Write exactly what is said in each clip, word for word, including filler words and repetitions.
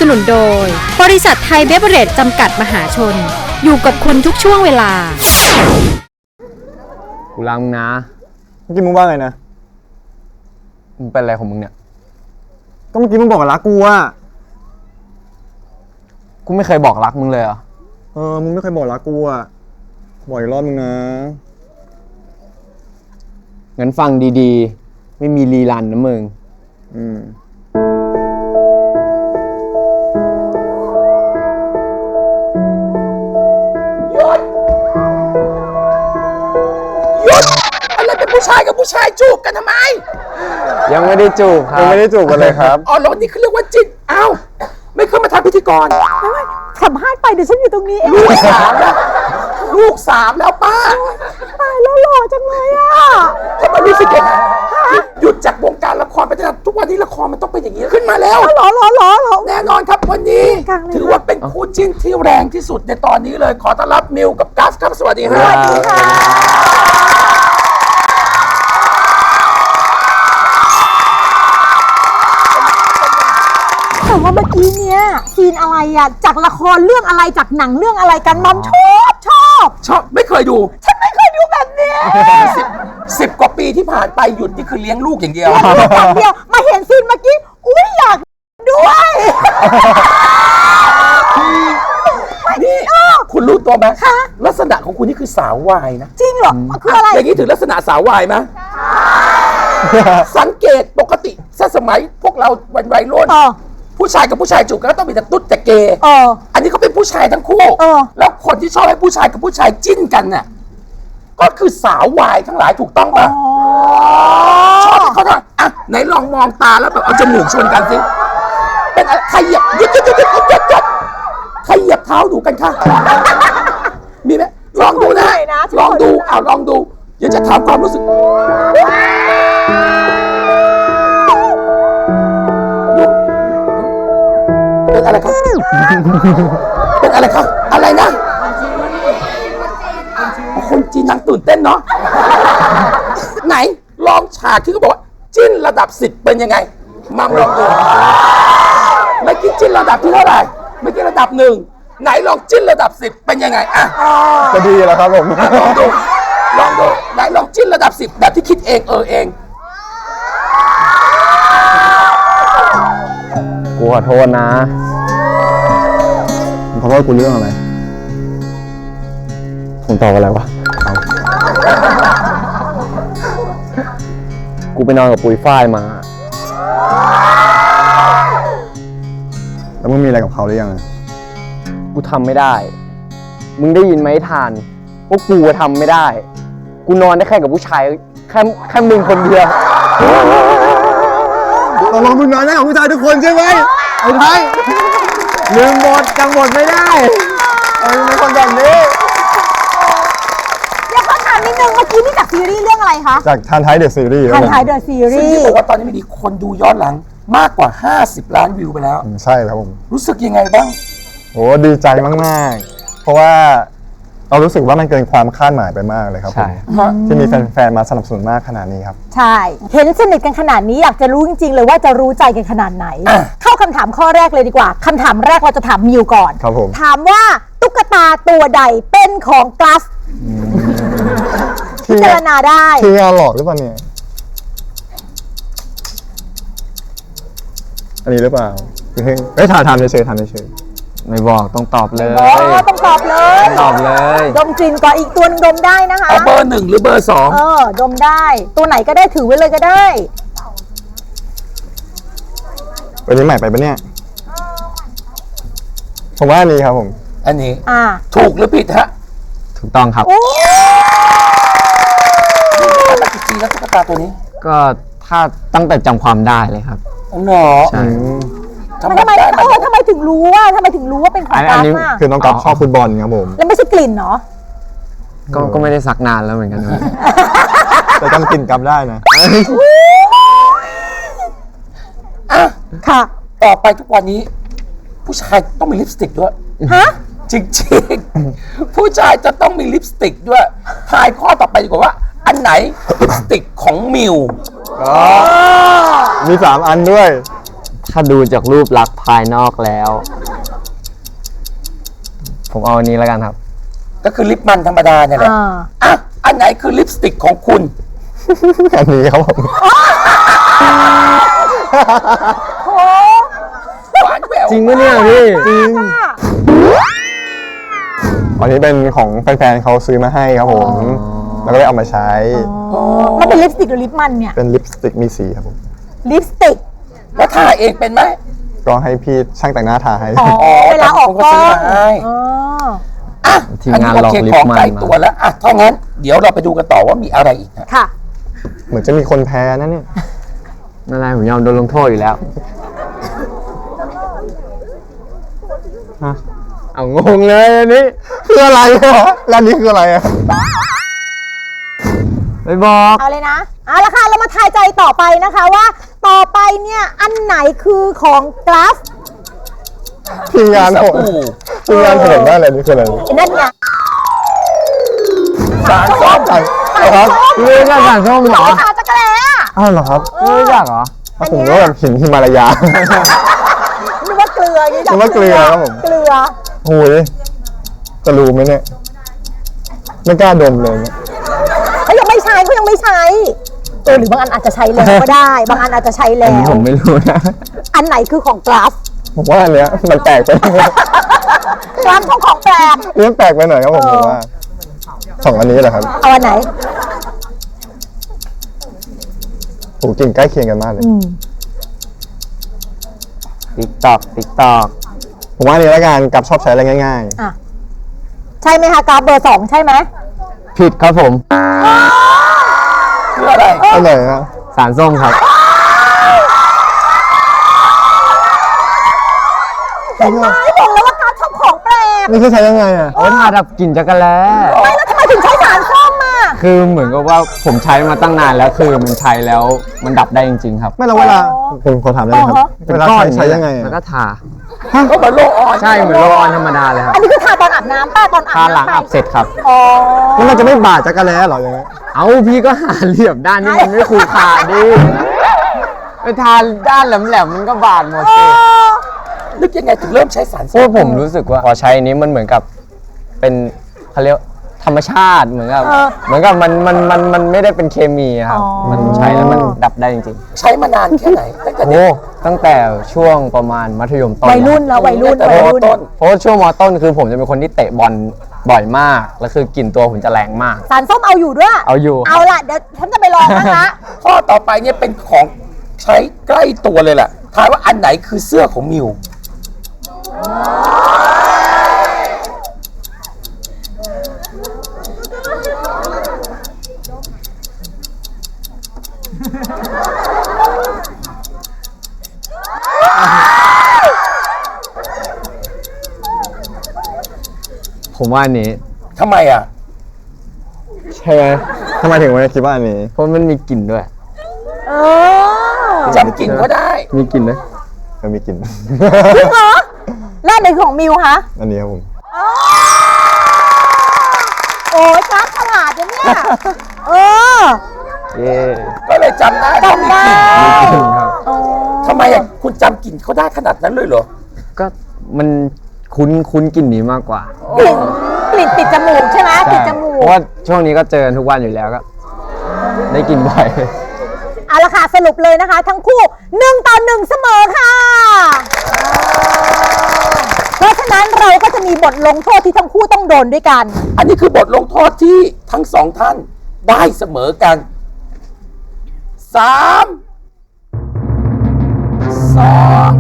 นุนโดยบริษัทไทยเบเวอเรจจำกัดมหาชนอยู่กับคุณทุกช่วงเวลากูรักมึงนะเมื่อกี้มึงว่าไงนะมึงเป็นอะไรของมึงเนี่ยก็เมื่อกี้มึงบอกว่ารักกูอะกูไม่เคยบอกรักมึงเลยเหรอเออมึงไม่เคยบอกรักกูอะบอกอีกรอบนึงนะงั้นฟังดีๆไม่มีรีรันนะมึงอืมหยุดหยุดอะไรเป็นผู้ชายกับผู้ชายจูบกันทำไมยังไม่ได้จูบครับยังไม่ได้จูบกันเลยครับอ๋อแล้วนี่คือเรียกว่าจิตเอ้าไม่เคยมาทำพิธีกรสัมภาษณ์ไปเดี๋ยวฉันอยู่ตรงนี้เองลูกสามแล้วลูกสามแล้วป้าตายแล้วหล่อจังเลยอ่ะทำไมรู้สึกยังไงหยุดจากวงการละครไปตั้งแต่ทุกวันนี้ละครมันต้องเป็นอย่างนี้ขึ้นมาแล้วหล่อหล่อหล่อหล่อแน่นอนครับวันนี้ถือว่าเป็นคู่จิ้นที่แรงที่สุดในตอนนี้เลยขอต้อนรับมิวกับกัฟครับสวัสดีครับสวัสดีค่ะแต่ว่าเมื่อกี้เนี้ยซีนอะไรอะจากละครเรื่องอะไรจากหนังเรื่องอะไรกันมัมชอบชอบชอบไม่เคยดูฉันไม่เคยดูแบบนี้สิบสิบกว่าปีที่ผ่านไปหยุดนี่คือเลี้ยงลูกอย่างเดียวอย่างเดียวมาเห็นซีนเมื่อกี้อุ้ยอยากด้วยนี่คุณรู้ตัวไหมลักษณะของคุณนี่คือสาววายนะจริงเหรอคืออะไรอย่างนี้ถึงลักษณะสาววายไหมสังเกตปกติสมัยพวกเราวันวัยรุ่นผู้ชายกับผู้ชายจูบกันก็ต้องมีแต่ตุ๊ดแต่เกย์อันนี้เขาเป็นผู้ชายทั้งคู่แล้วคนที่ชอบให้ผู้ชายกับผู้ชายจิ้นกันน่ะก็คือสาววายทั้งหลายถูกต้องป่ะชอบเขาทำอ่ะไหนลองมองตาแล้วแบบเอาจมูกชนกันสิเป็นอะไรใครเหยียบหยุดหยุดหยุดหยุดหยุดหยุดใครเหยียบเท้าดูกันค่ะมีไหมลองดูนะลองดูเอาลองดูเดี๋ยวจะถามความรู้สึกเป็นอะไรครับเป็นอะไรครับอะไรนะคนจีนนางตื่นเต้นเนาะไหนลองฉากที่เขาบอกว่าจิ้นระดับสิบเป็นยังไงมัมลองดูไม่คิดจิ้นระดับที่เท่าไหร่ไม่คิดระดับหนึ่งไหนลองจิ้นระดับสิบเป็นยังไงอ่ะจะดีแล้วครับผมลองดูลองดูไหนลองจิ้นระดับสิบแบบที่คิดเองเออเองกูขอโทษนะขอโทษกูเรื่องอะไรผมตอบอะไรวะกูไปนอนกับปุยฝ้ายมาแล้วมึงมีอะไรกับเขาหรือยังกูทำไม่ได้มึงได้ยินไหมทานว่ากูทำไม่ได้กูนอนได้แค่กับผู้ชายแค่แค่มึงคนเดียวตกลงมึงนอนได้กับผู้ชายทุกคนใช่ไหมไอ้ไทยลืมหมดจำหมดไม่ได้ไอ้เป็นคนแบบนี้เดี๋ยวขอถามนิดนึงเมื่อกี้นี่จากซีรีส์เรื่องอะไรคะจากทันไทยเดอะซีรีส์ทันไทยเดอะซีรีส์ซึ่งที่บอกว่าตอนนี้มีคนดูย้อนหลังมากกว่าห้าสิบล้านวิวไปแล้วใช่ครับผมรู้สึกยังไงบ้างโอ้ดีใจมากๆเพราะว่าเรารู้สึกว่ามันเกินความคาดหมายไปมากเลยครับผมที่มีแฟนๆมาสนับสนุนมากขนาดนี้ครับใช่เห็นสนิทกันขนาดนี้อยากจะรู้จริงๆเลยว่าจะรู้ใจกันขนาดไหนเข้าคำถามข้อแรกเลยดีกว่าคำถามแรกเราจะถามมิวก่อนครับผมถามว่าตุ๊กตาตัวใดเป็นของกัสพิจารณาได้ที่งานหลอกหรือเปล่าเนี่ยอันนี้หรือเปล่าเฮ้ยถามถามเฉยๆถามเฉยไม่บอกต้องตอบเลยต้องตอบเลยตอบเลยดมกลิ่นก่อนอีกตัวดมได้นะคะเอาเบอร์หนึ่งหรือเบอร์สองเออดมได้ตัวไหนก็ได้ถือไว้เลยก็ได้วันนี้ใหม่ไปปะเนี่ยผมว่าอันนี้ครับผมอันนี้อ่าถูกหรือผิดฮะถูกต้องครับมากี่ปีแล้วตุ๊กตาตัวนี้ก็ถ้าตั้งแต่จำความได้เลยครับอ๋อเหรอใช่ทำไมทำไมเออทำไมถึงรู้ว่าทำไมถึงรู้ว่าเป็นของกัสอ่ะคือน้องกัฟชอบฟุตบอลครับผมแล้วไม่ใช่กลิ่นเนาะก็ก็ไม่ได้ซักนานแล้วเหมือนกันแต่จำกลิ่นกัฟได้นะอ่ะค่ะต่อไปทุกวันนี้ผู้ชายต้องมีลิปสติกด้วยฮะจริงๆผู้ชายจะต้องมีลิปสติกด้วยทายข้อต่อไปดีกว่าว่าอันไหนลิปสติกของมิวมีสามอันด้วยถ้าดูจากรูปลักษณ์ภายนอกแล้ว ผมเอาอันนี้แล้วกันครับก็คือลิปมันธรรมดาเนี่ยแหละอ่าอ่ะอันไหนคือลิปสติกของคุณอันนี้ครับผมโหหวานแหววจริงปะเนี่ยพี่จริงอันนี้เป็นของแฟนๆเขาซื้อมาให้ครับผม แล้วก็ได้เอามาใช้มันเป็นลิปสติกหรือลิปมันเนี่ยเป็นลิปสติกมีสีครับผมลิปสติกแล้วทาเองเป็นไหมก็ให้พี่ช่างแต่งหน้าทาให้อ๋อ เวลาออกกล้องผมก็ซื้อมาให้อ๋ออ่ะทีมงานอัลองโเคลิปของมันใกล้มาตัวแล้วอ่ะถ้างั้นเดี๋ยวเราไปดูกันต่อว่ามีอะไรอีกฮะค่ะเหมือนจะมีคนแพ้นะเนี่ยนั่นแหละผมยอมโดนลงโทษอยู่แล้วฮะเอางงเลยอันนี้คืออะไรอะแล้วอันนี้คืออะไรอะไม่บอกเอาเลยนะเอาละค่ะเรามาทายใจต่อไปนะคะว่า ต่อไปเนี่ยอันไหนคือของกราฟทีมงานสผมบู่ทีมงานผมว่าอะไรนี่คืออะไรไอ้นั่นไงสารส้มใช่ครับพี่รู้จักสารส้มเหรอทาจักรแล้อะอ้าวเหรอครับไม่รู้จักเหรออันผมเนี้ก็ยแบบหินฮิมาลายานึกว่าเกลืออย่างนี้นึกว่าเกลือครับผมเกลือโอ้ยจะรู้ไหมเนี่ย ไม่กล้าดมเลยเนี่ยเขายังไม่ใช้เขายังไม่ใช้เออหรือบางอันอาจจะใช้แล้วก็ได้ บางอันอาจจะใช้อัแล้นนี้วผมไม่รู้นะอันไหนคือของกราฟผมว่าอันเนี้ยมันแปลกไปกราฟของของแปลกเรื่องแปลกไปหน่อยครับผมผมว่าสองอันนี้แหละครับเอาอันไหนโหกลิ่นใกล้เคียงกันมากเลยอืมติ๊กตอก ติ๊กตอกผมว่าอันนี้ละกันกับชอบใช้อะไรง่ายอ่ะใช่ไหมคะกราฟเบอร์สองใช่ไหมผิดครับผมคืออะไรๆอันไหนอะสารส้มครับเห็นไหมบอกแล้วว่ากราฟชอบของแปลกนี่คือใช้ยังไงอะเอาไว้ทาดับกลิ่นจักรแล้ไม่แล้วทำไมถึงใช้สารส้มอ่ะคือเหมือนกับว่าผมใช้มาตั้งนานแล้ว คือมันใช้แล้วมันดับได้จริงๆครับไม่แล้วเวลาผมขอถามได้ไหมครับ เวลาใช้ใช้ยังไงแล้วอะก็ทาก็เหมือนโลออนใช่เหมือนโรลออนธรรมดาเลยครับอันนี้คือทาตอนอาบน้ำป้าตอนอาบทาน้ำหลังไปอาบเสร็จครับอ๋อแล้วมันจะไม่บาดจักรแล้หรออย่างเงี้ยเอาพี่ก็หาเหลี่ยมด้านนี้มันไม่คูขาดดิไปทาด้านแหลมๆมันก็บาดหมดสินึกยังไงถึงเริ่มใช้สารเพส้ราะมผมรู้สึกว่าพอใช้อันนี้มันเหมือนกับเป็นเขาเรียกธรรมชาติเหมือนกับเหมือนกับมันมันมันมันไม่ได้เป็นเคมีอะครับมันใช้แล้วมันดับได้จริงใช้มานานแค่ไหนตั้งแต่ๆเด็โอ้กตั้งแต่ช่วงประมาณมัธยมต้นวัยรุ่นแล้ววัยรุ่นแต่วัยมรุ่นต้นเพราะว่าช่วงมต้นคือผมจะเป็นคนที่เตะบอลบ่อยมากแล้วคือกลิ่นตัวผมจะแรงมากสารส้มเอาอยู่ด้วยเอาอยู่เอาล่ะเดี๋ยวฉันจะไปลองบ้างละข้อต่อไปเนี่ยเป็นของใช้ใกล้ตัวเลยแหละทายว่าอันไหนคือเสื้อของมิวผมว่าอันนี้ทำไมอ่ะใช่ไหมทำไมถึงวันนี้คิดว่าอันนี้เพราะมันมีกลิ่นด้วยเออจำกลิ่นก็ได้มีกลิ่นด้วยมันมีกลิ่นจริงเหรอแล้วอันไหนของมิวคะอันนี้ครับผมโอ้ยกราฟฉลาดนะเนี่ยเออเย่ก็เลยจำได้ว่ามีจำได้กลิ่นกลิ่นครับอ๋อทำไมอ่ะคุณจำกลิ่นเขาได้ขนาดนั้นเลยเหรอก็มันคุ้นคุ้นกลิ่นนี้มากกว่ากลิ่นกลิ่นติดจมูกใช่ไหมติดจมูเพกราะว่าช่วงนี้ก็เจอกันทุกวันอยู่แล้วก็ ได้กลิ่นบ่อยเอาละค่ะสรุปเลยนะคะ ทั้งคู่หนึ่งต่อหนึ่งเสมอค่ะ เพราะฉะนั้นเราก็จะมีบทลงโทษที่ทั้งคู่ต้องโดนด้วยกันอันนี้คือบทลงโทษที่ทั้งสองท่านได้เสมอกันสามสอง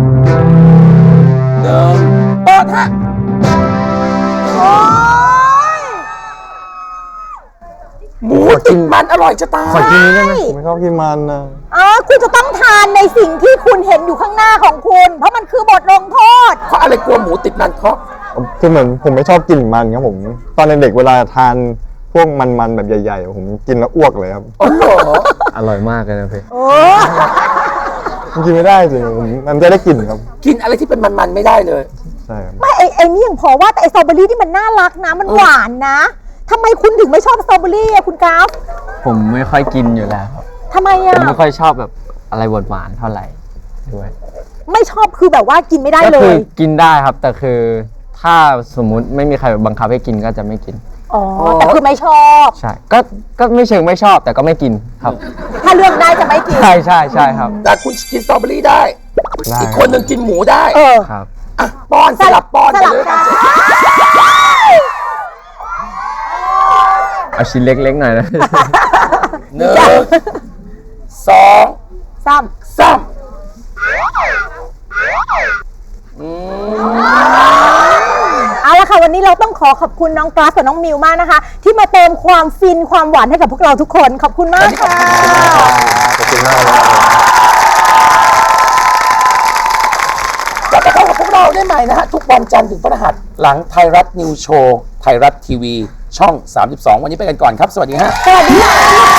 หนึ่งเปิดฮะโอ้ยหมูติดมันอร่อยจะตายขอกินนี้ได้ไหมผมไม่ชอบกินมันนะอ๋อคุณจะต้องทานในสิ่งที่คุณเห็นอยู่ข้างหน้าของคุณ เพราะมันคือบทลงโทษเพราะอะไรกลัวหมูติดมันเพราะคือเหมือนผมไม่ชอบกลิ่นมันครับผม ตอนเด็กๆเวลาทานพวกมันๆแบบใหญ่ๆ ผมกินแล้วอ้วกเลยครับอ๋อเหรออร่อยมากเลยนะพี่โอ้มันกินไม่ได้จริงผมมันจะได้กลิ่นครับกินอะไรที่เป็นมันๆไม่ได้เลยใช่ครับไม่ไอ้ไอ้นี่ยังพอว่าแต่ไอ้สตรอเบอรี่ที่มันน่ารักนะ มันหวานนะทำไมคุณถึงไม่ชอบสตรอเบอรี่อะคุณกราฟผมไม่ค่อยกินอยู่แล้วครับทำไมผอะมไม่ค่อยชอบแบบอะไรหวานๆเท่าไหร่ด้วยไม่ชอบคือแบบว่ากินไม่ได้ก็เลคือย กินได้ครับ แต่คือถ้าสมมุติไม่มีใครบังคับให้กินก็จะไม่กินอ๋อแต่คือไม่ชอบใช่ก็ก็ไม่เชิงไม่ชอบแต่ก็ไม่กินครับถ้าเลือกได้จะไม่กินใช่ใช่ใช่ครับแต่คุณกินสตรอเบอรี่ได้ได้อีกคนหนึ่งกินหมูได้เออครับอ่ะป้อนสลับป้อนสไปลับเลยกันเอาชิ้นเล็กๆหน่อยนะหนึ่งสองซ้สามำเอาละค่ะวันนี้เราต้องขอขอบคุณน้องกราฟกับน้องมิวมากนะคะ ที่มาเติมความฟินความหวานให้กับพวกเราทุกคนขอบคุณมากค่ะขอบคุณมากเลยครับกลับมาพบกับพวกเราได้ใหม่นะฮะ ทุกวันจันทร์ถึงพฤหัสหลังไทยรัฐนิวโชว์ไทยรัฐทีวีช่อง สามสิบสอง วันนี้ไปกันก่อนครับ สวัสดีฮะสวัสดีค่ะ